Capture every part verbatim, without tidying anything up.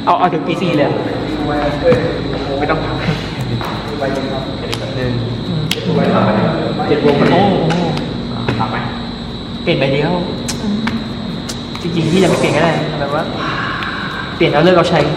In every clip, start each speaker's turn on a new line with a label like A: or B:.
A: เอาเอาถึงปีสี่เลย
B: ไม่ต้องทำหนึ่งเจ็ดวง
A: โอ้โห
B: ทำไหม
A: เปลี่ยนไปเดียวจริงๆพี่จะไม่เปลี่ยนก็ได้แบบว่า เปลี่ยนเอาเลิกเอาใช้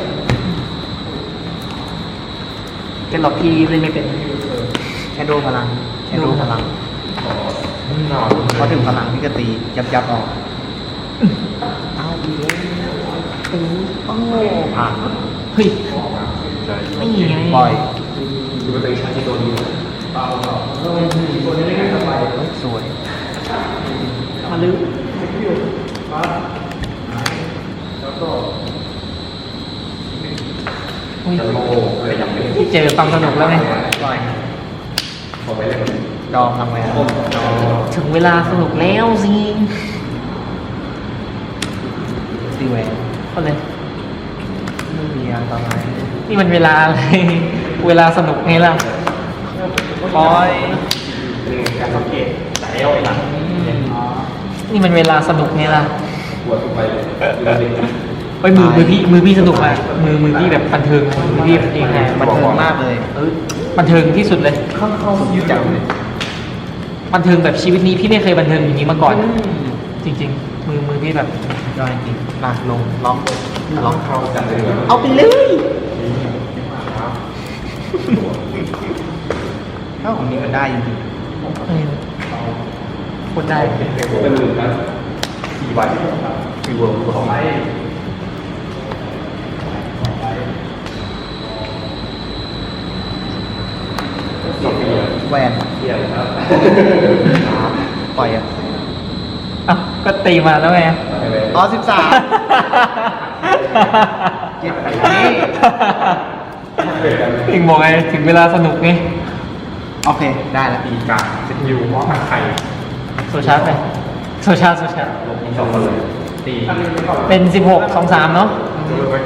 A: แต่หลอกพี่เล่นไม่เป็น
C: แค่โดพลังแค่โดพลัง
B: นอน
C: พอถึงพลังพี่ก็ตียับยับออกเอาอีกแล้วโอ้ผ่าน
A: เฮ้ยไม่ไง
C: ปล่อย
B: คือมันเป็นใช้ที่ตัวนี้
C: สวย
A: มาลื้อเฮ้ย
B: จะโลอะไรอย่างนี้
A: พี่เจอความสนุกแล้วไง
C: ปล่อย
B: พอไปเล่น
C: ดองทำไงดอง
A: ถึงเวลาสนุกแล้วสิ
C: ตีแหวน
A: ก็เลย
C: ไม่มีอันตราย
A: นี่มันเวลาอะไร เวลาสนุกไงล่ะ
C: ปล่อย
B: การสังเกตแต่เอวหลัง
A: นี่มันเวลาสนุกไงล่ะ
B: ปวดไปเลย
A: ไปมือมือพี่มือพี่สนุกอ่ะมือมือพี่แบบบันเทิงอะมือพี่เองไง
C: บันเทิงมากเลย
A: เออบันเทิงที่สุดเลย
C: เข้าเข้ายุจังเลย
A: บันเทิงแบบชีวิตนี้พี่ไม่เคยบันเทิงอย่างนี้มาก่อน จริง ๆ มือมือพี่แบบ
C: ยอดจริงลากลงล็อกล็อก
B: เข้าจังเลย
A: เอาไปเลย
C: ถ้าของนี้มันได้จริง
A: เออคนได้
B: เป็นหมื่นนะสี่ใบสี่เวิร์กของไอ้
C: ๆแหวน
B: เทียนครับ
C: ปล่อยอ่ะ
A: อ่ะก็ตีมาแล้วไง
C: อ๋อสิบสามเจ็ดนี่
A: เองบอกไงถึงเวลาสนุกไง
C: โอเคได้แล้ว
B: ตีกาเซ็ตยูเพราะมันไข่
A: โซชาร์จไปโซชาร์จโซชาร์จ
B: ลงสองคนเลยตี
A: เป็นสิบหกสองสามเนาะ
B: ดูไป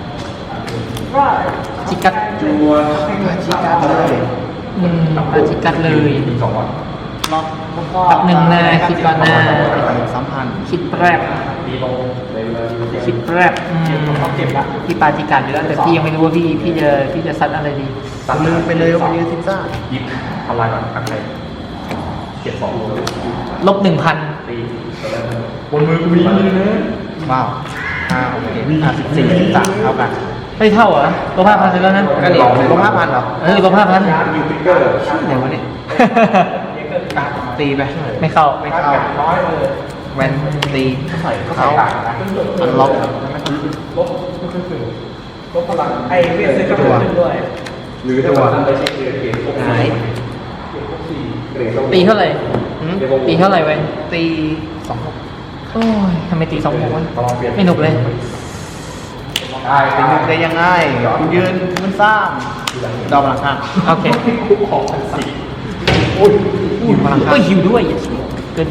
A: จิกัด
B: จัว
C: ชี้การเลย
A: อืมอาจิกัดเลย
B: ตีสองวัน
C: ล็อก
A: แป๊บหนึ่งนะคิดก่อนนะ
C: สัมพันธ์
A: คิดแรก
B: ตีลงเลยเลย
A: คิดแรกอืมพี่ปาจิกัดอยู่แล้วแต่พี่ยังไม่รู้ว่าพี่พี่จะพี่จะซัดอะไรดี
C: ตัดมือไปเลยว่าไปยืนซิซ่า
B: ยิบทำลายก่อนอันไหนเก็บสอง
A: ลบหนึ่งพัน
B: ตีบนมือกูมีนะ
C: ว้าวห้าโอเคห้าสิบสี่สิบสามเท่ากัน
A: ไม่เท่าเหรอลบห้าพันเสร็จแล้วนะ
C: ก็ดีลบห้าพันเหรอ
A: เออลบห้าพัน
B: ยูทิกเกอร์
C: ชื่ออะไรวะเนี่ยตีไป
A: ไม่เข้า
C: ไม่เข้า
B: ร้อยเลย
C: แวนตี
B: ใส่
C: เขา
B: ต่างนะ
C: อันล็อก
B: ลบลบพลังไอ้เวทซื้อกระ
C: จั
B: ปุ
C: ว
B: กด้วยหรือถ้าว่าไปเช็คเกรดเกรดพวก
C: หาย
B: เกรด
A: ตีเท่าไหร่
C: หืม
A: ตีเท่าไหร่ไว้
C: ตีสองหก
A: โอ้ยทำไมตีสองหกวะ
B: ลองเปลี่ยน
A: ไม่หนุกเลย
B: ได้
C: เป็นยุคได้ยังไงคุณยืนมันสร้างดอกพลังข้าง
A: โอเค
B: ของพันสี่
C: ยืนพลังข้า
A: ก็
C: ง
A: หิวด้วยเกินไป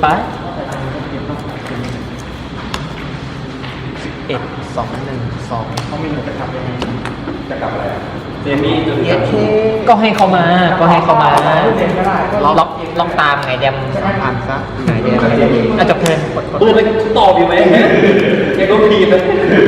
C: เอ็ดสองหนึ่งสอง
B: เขามีหนูจะทำยังไงจะกลับอะไรเจมี่
C: เอ็ดเค
A: ก็ให้เขามา ก็ให้เขามา
B: เล่นก็ได้
A: ล็อกล็อกล็อกตามไงเดม
C: ผ่านซะไหนเดียว
A: อ่ะจบเทิร์นกดกด
B: ตัวเล็กตอบอยู่ไหมแกก็พีนะ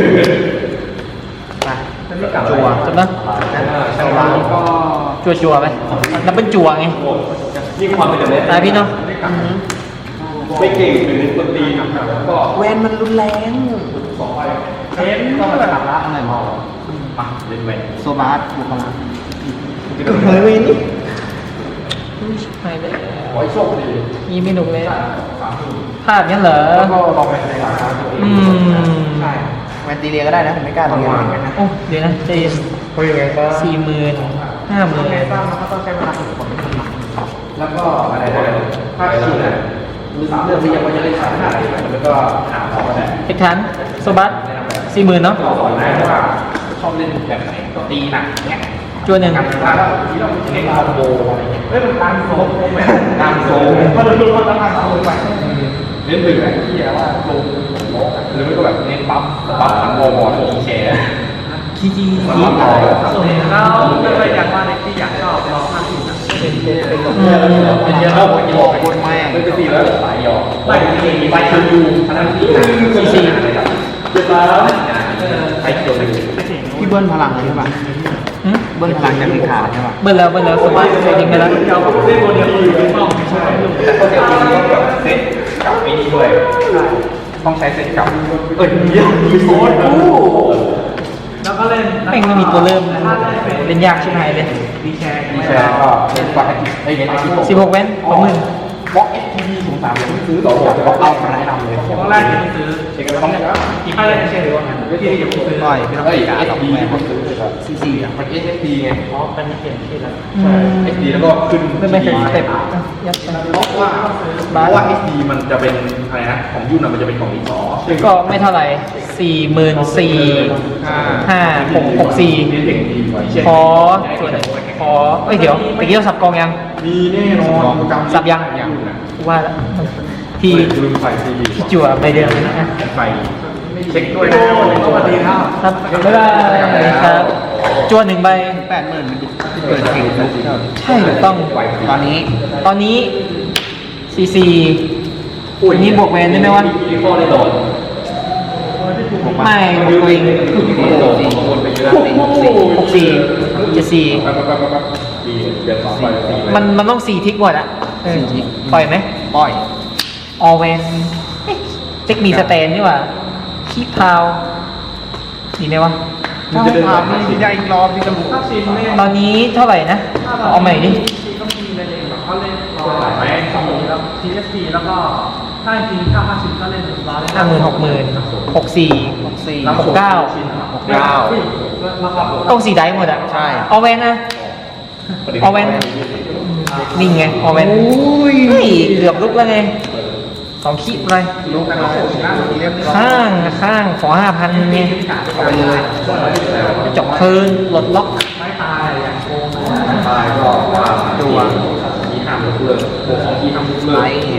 C: ไปจัว
A: จบแล้ว
C: ใช่ว่าก็
A: จัวจัวๆไหมนับเป็นจัวไง
B: ยิ่งความเป็นแบบนี้
A: ตายพี่เนาะ
B: ไม่เก่งหรือคนดีก็
C: แวนมันรุนแรง
B: สองใบเทนก็มาถามละอะไรมองมาเล่นแหวน
C: โซบาสบุคลา
B: เฮ้ยวิน
A: ไม่เลย
B: ขอให้โชคดี
A: ยี่ไม่หนุกเลยพลาดงั้นเหรอ
B: แล้วก็ลองไปในราคาตัวเอง
A: อืม
B: ใช่
C: แวนตีเรียก็ได้นะผมไม่กล้าตีเรีย
A: โอ้เดี๋ยวนะใจเย็น
B: เขายังไงบ้าง
A: สี่หมื่นห้าหมื่น
B: บ้างมันก็ต้องใช้เวลาฝึกฝนแล้วก็อะไรนะถ้าคิดอ่ะมือสามเรื่องที่ยังไม่จะได้ขายขนาดไหนมันก็หาของได้
A: เอกทันโซบัสสี่หมื่นเนาะ
B: เราสอนได้ว่าชอบเล่นแบบไหนก็ตีหนักเนี้ย
A: จัวหนึ่ง
B: การทำแล้วที่เราเล่นคอมโบอะไรเงี้ยเฮ้ยมันการโซ่การโซ่เพราะเราดูว่าต้องการโซ่ไปเล่นถึงไอ้ที่ว่าโซ่โซ่หรือไม่ก็แบบเน้นปั๊บปั๊บทั้งโมบอลอีแชร์
A: คีจี
B: ปั๊
A: คี
B: บต่อ
D: แล้วก็เลยอยากว่าในที่อยากชอบลองมากที่สุด
A: เป็นเป็นเยอะ
B: เข้าหัวโยกคนแม่เป็นตีแล้วสายยอไม่ตีไปทางยูทางที่
A: ซีซี
B: เจ็บแล้วไปเกี่ยวเลย
D: ไม่ถึง
C: พี่เบิ้ลพลังเลยใช่ปะ
A: หึ
C: เบิ้ลพลังจากเลขาใช่ปะ
A: เบิ้ลแล้วเบิ้ลแล้วสบายเซตทิ้งไปแล้ว
B: เล่นตัวเดียวคือไม่ต้องใช่แต่ก็เดี๋ยวคุณต้องแบบเซตกับไอ้นี่ด้วยต้องใช้เซตกับเอ้ยเยอะมีโค้ดอู้
D: แล้วก็เล่น
A: แม่งไม่มีตัวเริ่มเล่นยากชิบหายเลย
D: ดีแชร์
B: มีแชร์ก็เป็นฟังไอ้เงี้ยไอ้ที่
A: สิบหกแว่นสองหมื่น
B: บล็อกเอสทีวีศูนย์สามยังไม่ซื้อต่อจากบล็อกเอามาแนะนำเลย
D: ตอนแรกจะไปซื้อ
B: เช็คกันต้องเนี่ย
D: กี่ค่ายเล่นเชร์หรือว่าไงที่เดี๋ยวซื้อ
C: ต่อยไม่ต้อง
B: เอ้ย
C: การ
B: เอส
C: หรอก
B: ดี
C: แม่
B: คนซื้อเลยครับ
C: ซีซีอ่ะ
B: มันเอสดีไง
D: อ๋อเป็นเปลี่ยนชื่อแล้ว
B: ใช่เอสดีแล้วก็ขึ้น
A: ไม่ไม่เป็นสเต็ปยัดไป
B: เพราะว่าเพราะว่าเอสดีมันจะเป็นอะไรนะของยุ่นอะมันจะเป็นของดิสอ
A: ก็ไม่เท่าไหร่สี่หมื่นสี่ห้าหกหกสี่
B: เก่งดีกว่า
A: ขอส่วนขอเอ้ยเดี๋ยวตะกี้เราสับกองยัง
B: มีแน่นอนจำ
A: สับยัง
B: ยังนะ
A: ว่าแล้วที่
B: ลืมใส่ซีดี
A: ที่จั่วไปเดิมนะ
B: ใส่เช็คด้วยนะ
D: สวัสดีครับ
A: ครับบ๊ายบายครับจั่วหนึ่งใบ
C: แปดหมื่นเปิดเก่งนะ
A: ใช่ถูกต้อง
C: ตอนนี้
A: ตอนนี้ซีซีอันนี้บวกแวนได้ไหมวะ
B: มีข้อได้โดน
A: ไม่บวกตัวเอง
C: สี่
B: วนไปเยอะ
A: หกสี่เจ็ดสี่
B: ไปไปไปไปดีเดี๋ยวต่อไป
A: มันมันต้องสี่ทิกหมดอ่ะเออปล่อยไหม
C: ปล่อย
A: ออเวนเทคมีสแตนนี่หว่าขี้พาวดีไหมวะ
C: ถ้าให้พาไม่ได้อีกรอบที่จะบุก
D: ถ้าซีนเล่น
A: ตอนนี้เท่าไหร่นะ เอาใหม่ดิ
D: ซีก็มีเล่นเองแบบเขาเล่นรอไหมสีแล้วทีเอสซีแล้วก็ถ้าจริงถ้าห้าสิบก็เล่นร้อย
A: ห้าหมื่นหกหมื่นหกสี่
C: หกสี่
A: หกเก้า
C: หกเก้า
D: แล้วครับ
A: ต้องสี่ได้หมดอ่ะ
C: ใช่
A: เอาเวนนะเอาเวนนิ่งไงเอาเวนเฮ้ยเกือบลุกแล้วไงสองขีดเลย
C: ลูกนะเรียบร้อย
A: ข้างข้างขอห้าพันไง
C: เอาไปเลย
A: จบเทิร์นหลดล็อก
D: ไม่ตายอย่างโกง
B: ตายก็ว่าตัวมีห้ามยกเลิกโอ้ของที่ห้ามยกเลิ
C: ไล
B: ก
C: ท์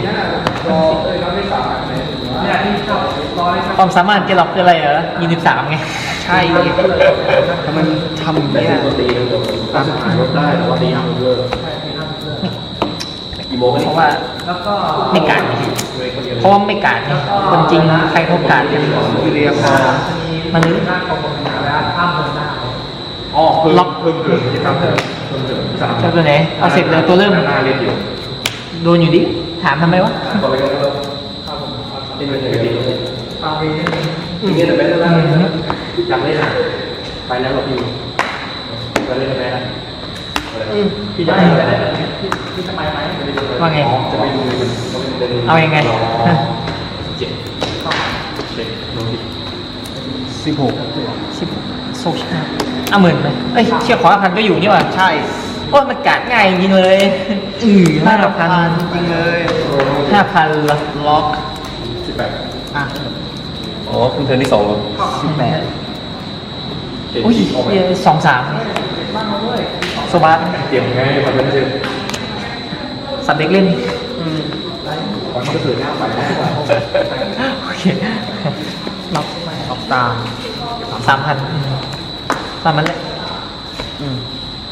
D: เนี่ยที่ชอบร้อย
A: ความสามารถเกล็อกคืออะไรเหรอยี่สิบสามไง
C: ใช่ทำไมมันทำอย่าง
B: แต่
C: เนี้ย
B: ปกติตามสถานรถได้แต่ว่าตีห้ามยกเลิกกี่โมง
A: เพราะว่า
D: แล้วก็
A: ไม่การไงเพราะว่าไม่การไงคนจริงใครเขาการกัน
C: วิเรียพอ
A: มัน
D: หน้ากองกำลังแล้วข้ามเดินได้
B: อ๋อเพิ่มเพิ่มเกินกิจกรรมเพิ่มเพิ่มเกินสาม
A: เจ้าตัวไหนเอาเสร็จเลยตัวเริ่ม
B: หน้าเรียนอยู่
A: โดนอยู่ดิ ถามทำไมวะ
B: ตอนแรกก็เริ่มเป็นไปได้ดี
D: ฟาวีนี่
B: ทีนี้แต่เป็นแล้วอยากเล่นอ่ะไปแล้วหรอพี่ไปเล่นไหมนะพี่อยากเล่นไหม
D: ที่ทำไมไหม
A: ว่าไง
B: จะไปดู
A: เอายังไง
B: เจ็ดเช็คโน้ต
C: สิบหก
A: สิบโซชาอ่ะหมื่นไหมเอ้ยเชี่ยขอห้าพันก็อยู่นี่หว่า
C: ใช่
A: โอ้ยมันกัดง่ายจริงเลยอือห้าพัน
C: จริงเลย
A: ห้าพันเหรอ
C: ล็อก
B: สิบแปด
C: อ่ะ
B: อ๋อคุณเทอร์ที่สองเหรอ
C: สิบแปด
A: อุ้ยเหี้ยสองสามโซบาส
B: เตรียมไงคอนเทนต์เซ็น
A: สับเด็กเล่น
B: มันก็ถือหน้าไป
A: โอเคล็อกไป
C: ล็อกตาม
A: สามพันสามพันเลย
C: อืม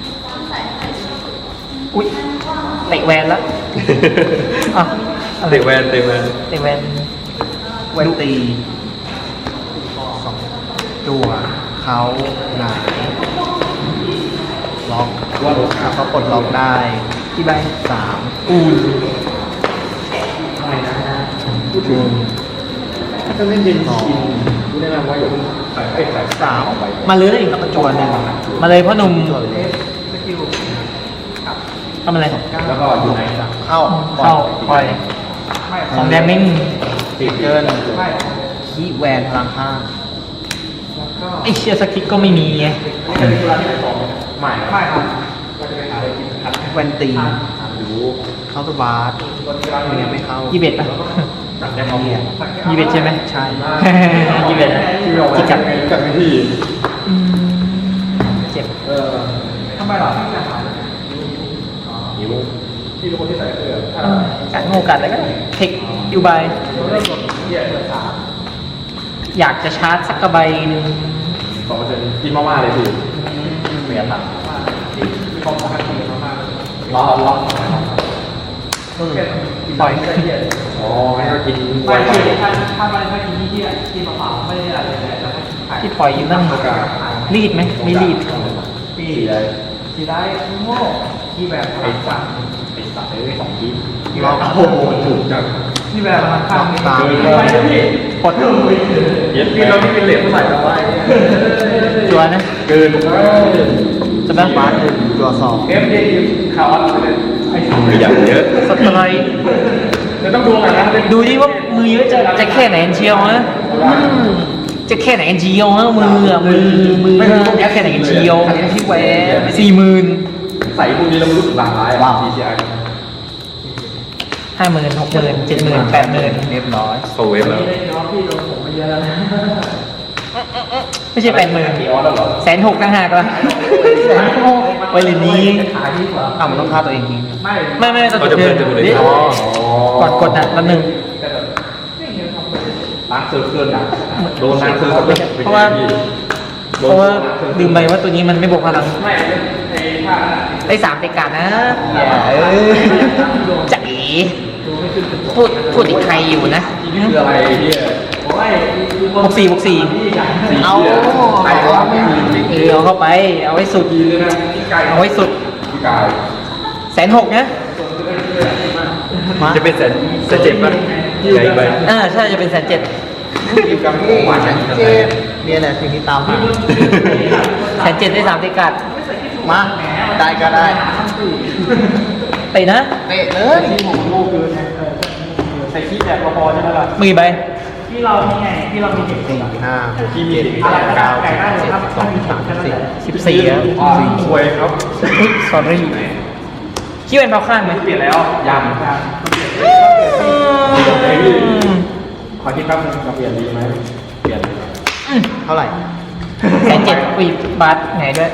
A: อุ้ยเตะแวนแล้วอ่ะอะไร
B: เตะแวนเตะแวน
A: เตะแวน
C: แวนตีสองตัวเขาหงายล็อกว่าแล้วเขาปลดล็อกได้
A: กี่ใบ
C: สาม
A: อูน
C: หนึ่ง
B: ถ้าเล่นเย็นชินกูแนะนำว่าอย่าเพิ่งใส่ไอ้ใส่
C: สาม
B: ไป
A: มาเลย
C: แล้วก็จวนหนึ่ง
A: มาเลยพ่อหนุ่ม
C: จวนเลย
D: สกิล
A: ทำอะไร
B: แล้วก็อยู่ไหน
C: เข้า
A: เข้าปล่อยของแดมมิ่ง
B: ติด
C: เกิน
D: ไม่
C: คีแวนพลังห้า
A: ไอเชียสกิกก็ไม่มีไง
B: ใหม่
D: ไม่ครับ
C: แวนตี
B: รู้
C: เข้าตัวบาสไม่งั้นไม่เข้า
A: ยี่สิบเอ็ดป่ะ
B: ตัดได้เขาเนี่ย
A: ยี่สิบเอ็ดใช่ไหม
C: ใช่
A: ยี่สิบเอ็ดอะ
B: ที่เรา
A: จิกกัด
B: จัดวิธี
A: อืมเจ็บ
B: เออ
D: ทำไมหรอที่จะหา
B: หิวที่เป็นคนที่ใส่เสื้อ
A: เออกัดโง่กัดอะไรก็ได้เทคยูใบ
D: เริ่มกดเหี้ยเปิดสาม
A: อยากจะชาร์จสักกระใบหนึ่ง
B: สองเปอร์เซ็นต์กินมาม่าเลยพี่เมียตัด
D: ที่มีความสำคัญที่มาก
B: ล้อล้อ
C: อืม
A: ปล่อย
B: อ๋อให้เขากินไว
D: ไม่
B: ๆ
D: คือถ้าถ้าไม่ถ้ากินที่เที่ยกินเปล่าๆไม่ได้อะไรเลยแล้วก็กินไข่
A: ที่ปล่อยอยู่นั่น
B: โอกาส
A: รีดไหมไม่รีด
B: พี่อะไร
D: สีได้โง่ที่แบบ
B: ไอ้สัตว์ไอ้สัตว์ไอ้สองที
C: รอบ
B: โอ้โหถูกจัง
D: ที่แบบมันข้างนี้
C: ตาม
B: เกิน
D: ไปเลยพี่
A: ปด
B: เย็ดพี่เราที่เป็นเหล็กเท่าไหร่แล้ววะ
A: จัวนะ
B: เกิน
A: จะบ้าง
C: บาสหนึ่งตัวสอง
B: เอฟเอข่าวอะไรไอ้สัตว์อย่างเยอะ
A: สไตรค์
B: จะต้องดูกันนะ
A: ดูดิว่ามือเยอะจะจะแค่ไหนเชียวนะจะแค่ไหนเชียวนะมืออะมือมือจะแค่ไหนเชียว
C: ที่แหวน
A: สี่หมื่น
B: ใส่พวกนี้เรารู้สึกหลากหลายอ่ะ ที ซี ไอ
A: ห้าหมื่นหกหมื่นเจ็ดหมื่นแปดหมื่น
C: เรียบร้อย
B: โซเวฟแล้ว
D: นี่ได้น้องพี่โดนผมไปเยอะแล้วนะ
A: ไม่ใช่แปดหมื่น
B: มีออสแล้วเหรอ
A: แสนหกต่างหากละไวเลนนี้
D: ขายดีกว่า
C: อ้าวมันต้องฆ่าตัวเองทิ้ง
D: ไม่
A: ไม่ไม่ต้อง
B: เขาจะ
A: เดิ
B: เพิ่
A: น
B: มจะดูเลย
A: นี่
B: อ๋อก
A: ดกดอ่ะแป๊บนึง
B: ล้างเซอร์เคิลนะโดนล้างเซอร์เคิล
A: เพราะว่าเพราะว่าลืมไปว่าตัวนี้มันไม่บวกพลัง
B: ไม่ไอ้ท่า
A: ได้สามเตะกาดนะ
C: อย่าเอ้ย
A: จะเอ๋พูดพูดอีกใครอยู่นะ
B: คืออะไรเนี่ย
D: โอ้ย
A: บวกสี่บวกสี่
C: เอา
B: ใครวะไม่มี
A: เออเอาเข้าไป เอาไว้สุด
B: ดีเลยนะพี่ไก่
A: เอาไว้สุด
B: พี่กาย
A: แสนหกนะ
C: มา
B: จะเป็นแสนแสนเจ็บป่ะใหญ่ไป
A: อ่าใช่จะเป็นแสนเจ็ด
B: กินกับหมูหวาน
C: เจ็บเนี่ยแหละสิ่งที่ตามหา
A: แสนเจ็ดได้สามเตะกาด
C: มาได้ก็ได้
A: เตะนะ
C: เตะเลย
D: ใส่ขี้แจกพอใช่ไหมล่ะ
A: มือใบ
D: ที่เรามีไงที่เรามีเด็ก
C: สี่ห้าหกเจ็ด
D: อะไร
C: แปด
D: ก็
C: เก้า
D: ได้ได้
C: สิบ
D: ครับ
C: สองสามสี่
A: สิบสี่แล้ว
B: สวยครับ
A: อุ๊ย sorry คิดเป็นเท้าข้างไหม
B: เปลี่ยนแล้วย
A: อืม
B: ำขอคิดแป๊บนึงจะเปลี่ยนดีไหมเปลี่ยน
C: เท่าไหร่
A: แสนเจ็ดปีบาทไหนด้วย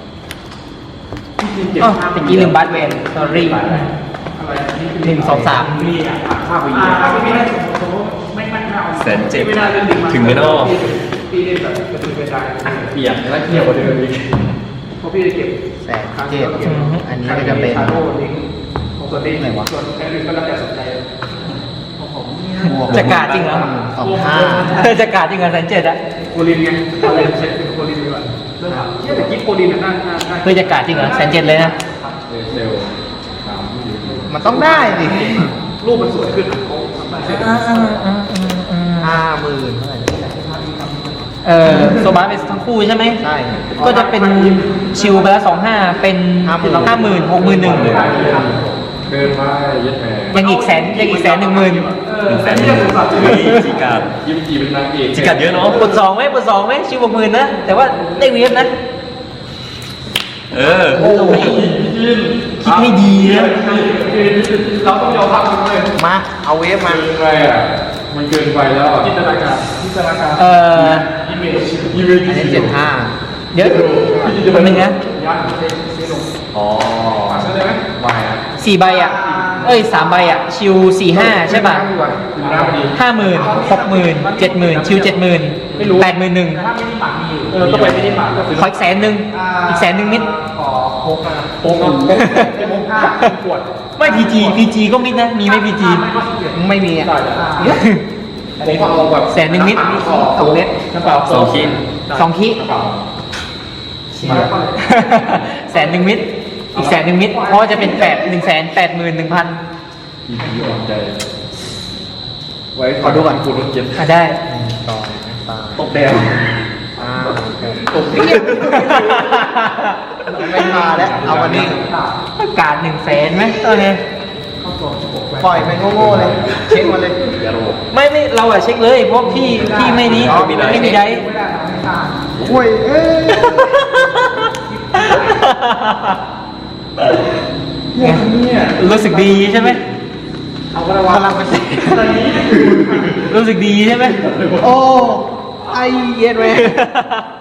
A: อ๋อตะกี้ลืมบาทเวน sorry หนึ่งสองสาม
B: ภาพไป
D: อ่า
B: เยอะ
D: ถ้าไม่ได้สมมติไม่ไม่เอา
B: แสนเจ็บ
D: ไม่ได้เล่นดึงมา
B: ถึงไม่นอก
D: พี่เล่นแบบกระตือรือร้น
B: เปลี่ยนแล้วเที่ยวกว่าเดิมอีก
D: เพราะพี่จะเก็บ
C: แสนเจ็ดอันนี้ก็จะเป็น
D: ชาโดว์ลิงก์ของส่วนนี้
C: ไหนวะ
D: ส่วนแค่อื่นก็แล้วแต่สนใจของผมเนี่ย
C: บวก
A: จะกาดจริงเหรอ
C: สองห้า
A: จะกาดจริงเหรอแสนเจ็ดอะ
D: โคลินไงอะไรเช็คเป็นโคลินดีกว่าเรื่องเชื่อแต่กิ๊บโคลินน่ะน่าน่าน่า
A: เพื่อจะกาดจริงเหรอแสนเจ็ดเลยนะ
B: เซลล์สาม
C: มันต้องได้ดิ
D: รูปมันสวยขึ้นโอ้ทำไม
C: ห้าหมื่นเท่าไหร่นะ
A: เออโซบาเป็นทั้งคู่ใช่ไหม
C: ใช่
A: ก็จะเป็นชิวไปแล้วสองห้าเป็นห้าหมื่นหกหมื่นหนึ่ง
B: เดินมาเย็ดแหม
A: ยังอีกแสนยังอีกแสนหนึ่งหมื่น
B: หนึ่งแสนหนึ่งจีการดยิมจีเป็นนางเอกจีการดเยอะเนาะ
A: กดสองไหมกดสองไหมชิวหกหมื่นนะ แต่ว่าได้เวฟนะ
B: เออ
A: โอ้ยคิดไม่ดีนะ
D: เราต้องยอมรับมันเลย
C: มา เอาเวฟมา
B: เกินไปอ่ะมันเกินไปแล้วอ่ะ
D: จินตนาการจินตนาการ
A: เออ
D: อิมเมจ
B: ยิมเ
C: อันนี้เจ็ดห้า
A: เดี๋ยวคนหนึ่งนะ
D: ยันเซ็นเซ็นลง
B: อ๋อ
D: ใช่ไหม
B: ไม่อ่ะ
A: สี่ใบอ่ะ เอ้ยสามใบอ่ะ ชิวสี่ห้าใช่ป่ะ
B: คุณน้าพอดี
A: ห้าหมื่นหกหมื่นเจ็ดหมื่นชิวเจ็ดหมื่นแปดหมื่นหนึ่ง
D: ถ้าไม่ได้หมักมีอยู่เออต้องไปไม่ได้หมักก็คือ
A: ขออีกแสนหนึ่งอีกแสนหนึ่งนิด
D: ขอโค้กนะโค้กเนาะโค้กโค้กห้าขวด
A: ไม่พีจีพีจีก็มิดนะ มีไหมพีจี
D: ไม่ก็ขี้เกียจ
C: ไม่มีอ่ะ
B: ผมก็เอาแบบ
A: แสนหนึ่งนิด
C: สองเม็ด
D: กระเป๋า
B: สองชิ้น
A: สองคิ
B: กระเป๋า
A: แสนหนึ่งมิดอีกแสนหนึ่งมิดเพราะว่าจะเป็นแปดหนึ่งแสนแปดหมื่นหนึ่งพัน
B: อีพีอ่อนใจ ไว้ขอดูก่อนคุณรถเจ็บ
A: อ่ะได้
C: สองสาม
B: ตกแดง
C: ห้า
B: ตกเปียก
C: ไม่มาแล้ว เอาวันนี้
A: การหนึ่งแสนไหมตอนนี้
C: ปล่อยไปโง่ๆเลย เช็คมาเลย
B: อย่าโร
A: ไม่ไม่เราอะเช็คเลย เพราะพี่พี่ไม่นี้
B: อ๋อมีไดฟ์
A: ไม่มีได้
D: ไม่ได้นะไม่ขาด
C: โอ้ยเอ้ย
B: เนี่ย
A: รู้สึกดีใช่ไหม
D: เอาก็ได้ว่า
C: พลังเป็นแสน
D: ตอนนี้
A: รู้สึกดีใช่ไหม
C: โอ้ ไอเย็นเว้ย